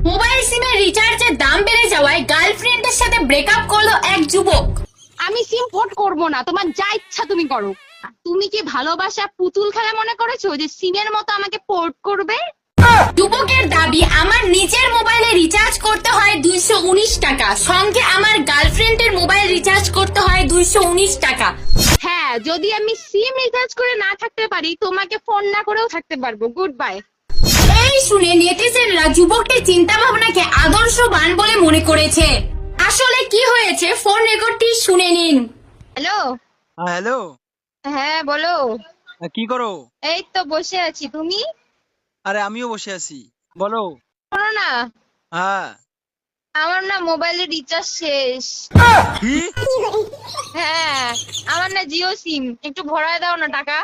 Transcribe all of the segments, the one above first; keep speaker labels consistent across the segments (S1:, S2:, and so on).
S1: Mobile সিমের রিচার্জের দাম বেড়ে যাওয়ায় গার্লফ্রেন্ডের সাথে ব্রেকআপ করলো এক যুবক।
S2: আমি সিম পোর্ট করবো না, তোমার যা ইচ্ছা তুমি করো। তুমি কি ভালোবাসা পুতুল খেলা মনে করেছো যে সিমের মতো আমাকে পোর্ট করবে?
S1: যুবকের দাবি, আমার নিজের মোবাইলে রিচার্জ করতে হয় 219 টাকা, সঙ্গে আমার গার্লফ্রেন্ডের মোবাইল রিচার্জ করতে হয় 219 টাকা।
S2: হ্যাঁ, যদি আমি সিম রিচার্জ করে না থাকতে পারি তোমাকে ফোন না করেও থাকতে পারবো। Good bye.
S1: এই শুনে নেটিজেনরা যুবকটির চিন্তা ভাবনাকে আদর্শবান বলে মনে করেছে। আসলে কি হয়েছে ফোন রেকর্ডটি শুনে নিন।
S2: হ্যালো।
S3: হ্যালো।
S2: হ্যাঁ বলো।
S3: কি করো?
S2: এই তো বসে আছি, তুমি?
S3: আরে আমিও বসে আছি, বলো।
S2: শোনো না,
S3: হ্যাঁ।
S2: আমার না মোবাইলে রিচার্জ শেষ।
S3: কি?
S2: হ্যাঁ, আমার না জিও সিম, একটু ভরায় দাও না টাকা।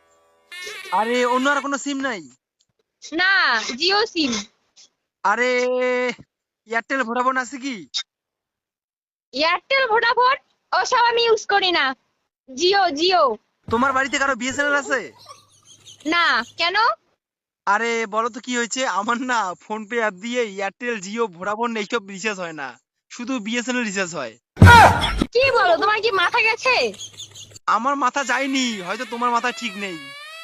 S3: আরে অন্য আর কোনো সিম নাই?
S2: না, জিও সিম।
S3: আরে এয়ারটেল ভোডাফোন আছে কি?
S2: এয়ারটেল ভোডাফোন ওসব আমি ইউজ করি না। জিও জিও।
S3: তোমার বাড়িতে কারো বিএসএনএল আছে?
S2: না, কেন?
S3: আরে বলো তো কি হয়েছে, আমার না ফোন পে অ্যাপ দিয়ে এয়ারটেল জিও ভোডাফোন এইসব রিচার্জ হয় না, শুধু বিএসএনএল রিচার্জ হয়।
S2: কি বলো, তোমার কি মাথা গেছে?
S3: আমার মাথা যায়নি, হয়তো তোমার মাথা ঠিক নেই।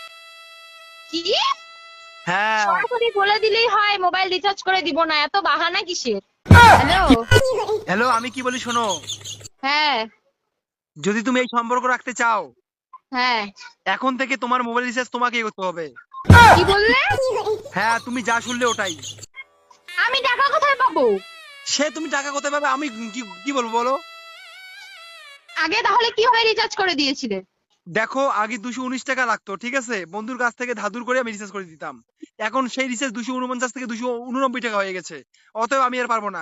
S2: কি?
S3: হ্যাঁ।
S2: সরাসরি বলে দিলেই হয় মোবাইল রিচার্জ করে দিব না, এত বাহানা কিসের? হ্যালো।
S3: হ্যালো, আমি কি বলি শোনো,
S2: হ্যাঁ
S3: যদি তুমি এই সম্পর্ক রাখতে চাও,
S2: হ্যাঁ।
S3: এখন থেকে তোমার মোবাইল রিচার্জ তোমাকেই করতে হবে।
S2: কি বললে?
S3: হ্যাঁ, তুমি যা শুনলে ওটাই।
S2: আমি টাকা কোথায় পাবো?
S3: সে তুমি টাকা কোথায় পাবে, আমি কি কি বলবো বলো।
S2: আগে তাহলে কিভাবে রিচার্জ করে দিয়েছিলে?
S3: দেখো, আগে 219 টাকা লাগতো, ঠিক আছে, বন্ধুর কাছ থেকে ধাদুর করে আমি রিচার্জ করে দিতাম। এখন সেই রিচার্জ 249 থেকে 289 টাকা হয়ে গেছে, অতএব আমি আর পারবো না।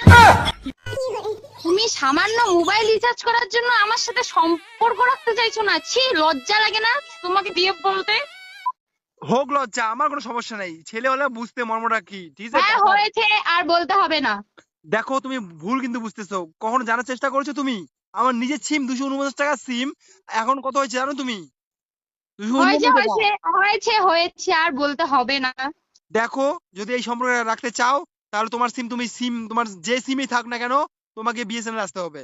S2: তুমি সামান্য মোবাইল রিচার্জ করার জন্য আমার সাথে সম্পর্ক রাখতে চাইছো না? ছি, লজ্জা লাগে না তোমাকে বিয়ে বলতে?
S3: হোক লজ্জা, আমার কোনো সমস্যা নাই, ছেলে হলে বুঝতে মর্মটা কি, ঠিক
S2: হ্যাঁ
S3: আছে।
S2: হয়েছে, আর বলতে হবে না।
S3: দেখো, তুমি ভুল কিন্তু বুঝতেছো, কখনো জানার চেষ্টা করেছো তুমি? আমার নিজের সিম 249 টাকা সিম, এখন কত হয়েছে জানো তুমি?
S2: হয়েছে
S3: 289 টাকা।
S2: হয়েছে হয়েছে হয়েছে, আর বলতে হবে না।
S3: দেখো, যদি এই সম্পর্ক রাখতে চাও, তাহলে তোমার সিম, তোমার যে সিমই থাক না কেন, তোমাকে বিএসএনএল আসতে হবে।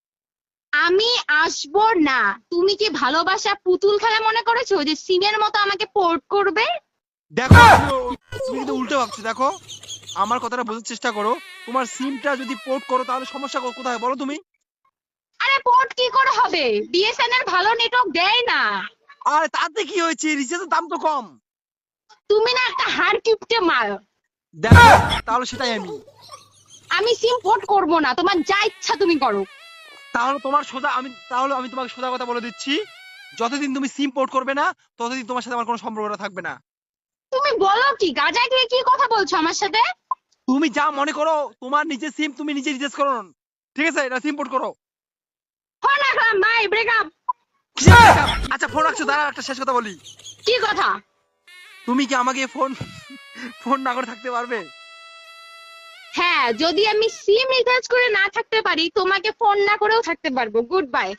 S2: আমি আসবো না। তুমি কি ভালোবাসা পুতুল খেলা মনে করেছো যে সিমের মতো আমাকে পোর্ট করবে?
S3: দেখো, তুমি কিন্তু উল্টো ভাবছো। দেখো, আমার কথাটা বোঝার চেষ্টা করো, তোমার সিমটা যদি পোর্ট করো তাহলে সমস্যা কোথায় বলো তুমি?
S2: আরে পোর্ট কি করে হবে? বিএসএনএল ভালো নেটওয়ার্ক দেয় না।
S3: আর তাতে কি হয়েছে, রিচার্জের দাম তো কম।
S2: তুমি না একটা হাড় কিপটে মাল।
S3: দেখো, তাহলে সেটাই
S2: আমি সিম পোর্ট করবো না, তোমার যা ইচ্ছা তুমি করো।
S3: তাহলে আমি তোমাকে সোজা কথা বলে দিচ্ছি, যতদিন তুমি সিম পোর্ট করবে না, ততদিন তোমার সাথে আমার কোনো সম্পর্কটা থাকবে না।
S2: তুমি বলো কি, গাজায় দিয়ে কি কথা বলছো আমার সাথে?
S3: তুমি যা মনে করো, তোমার নিজের সিম তুমি নিজে রিচার্জ করো, ঠিক আছে, এটা সিম পোর্ট করো।
S2: ফোন রাখলাম, বাই, ব্রেকআপ।
S3: আচ্ছা, ফোন রাখছো, দাঁড়া, একটা শেষ কথা বলি।
S2: কি কথা?
S3: তুমি কি আমাকে ফোন ফোন না করে থাকতে পারবে?
S2: হ্যাঁ, যদি আমি সিম রিচার্জ করে না থাকতে পারি তোমাকে ফোন না করেও থাকতে পারবো। Good by.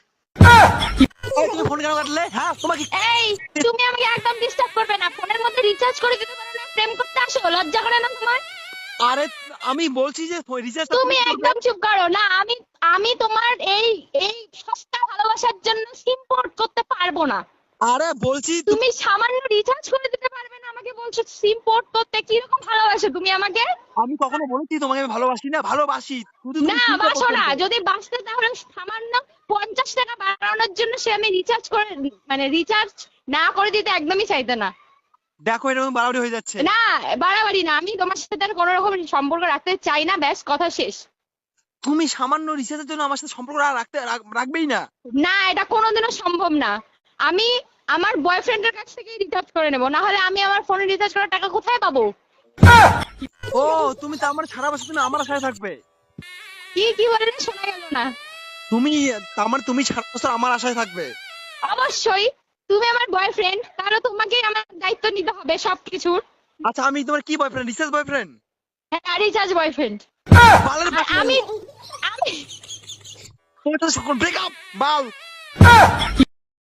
S3: তুমি ফোন কেন কাটলে? হ্যাঁ, তোমাকে
S2: এই, তুমি আমাকে একদম ডিস্টার্ব করবে না। ফোনের মধ্যে রিচার্জ করে দিতে পারো না, প্রেম করতে আসো, লজ্জা করে না তোমার?
S3: আরে আমি বলছি যে রিচার্জ
S2: তুমি একদম চুপ করো না। আমি আমি তোমার এই এই সস্তা ভালোবাসার জন্য সিম পোর্ট করতে পারবো না।
S3: আরে বলছি
S2: তুমি সামান্য রিচার্জ করে দিতে পারবে না, আমাকে বলছো সিম পোর্ট করতে? কিরকম ভালোবাসো তুমি আমাকে?
S3: আমি কখনো বলেছি তোমাকে আমি ভালোবাসি না? ভালোবাসি, শুধু তুমি
S2: না,
S3: সিমটা
S2: বাসো
S3: পোর্ট
S2: না।
S3: করবে।
S2: যদি বাঁচতে তাহলে সামান্য 50 টাকা বাড়ানোর জন্য সে আমি রিচার্জ করে, মানে রিচার্জ না করে দিতে একদমই চাইতে না।
S3: দেখো, এরকম বাড়াবাড়ি হয়ে যাচ্ছে।
S2: না, বাড়াবাড়ি না। আমি তোমার সাথে আর কোনো রকম সম্পর্ক রাখতে চাই না, ব্যাস, কথা শেষ।
S3: তুমি সামান্য রিচার্জের জন্য আমার সাথে সম্পর্ক রাখবেই না?
S2: না, এটা কোনোদিনও সম্ভব না। আমি আমার বয়ফ্রেন্ডের কাছ থেকেই রিচার্জ করে নেবো, না হলে আমি আমার ফোনে রিচার্জ করার টাকা কোথায় পাবো?
S3: ও, তুমি তো আমার সারা বছর তুমি আমার আশায় থাকবে?
S2: কি কি বললে শোনা গেল না।
S3: তুমি সারা বছর আমার আশায় থাকবে?
S2: অবশ্যই। তুমি আমার বয়ফ্রেন্ড, তাহলে তোমাকে আমার দায়িত্ব নিতে হবে সবকিছুর।
S3: আচ্ছা, আমি তোমার কি বয়ফ্রেন্ড, রিচার্জ বয়ফ্রেন্ড?
S2: হ্যাঁ, রিচার্জ বয়ফ্রেন্ড। আমি আমি
S3: তোমার সাথে ব্রেকআপ বাল।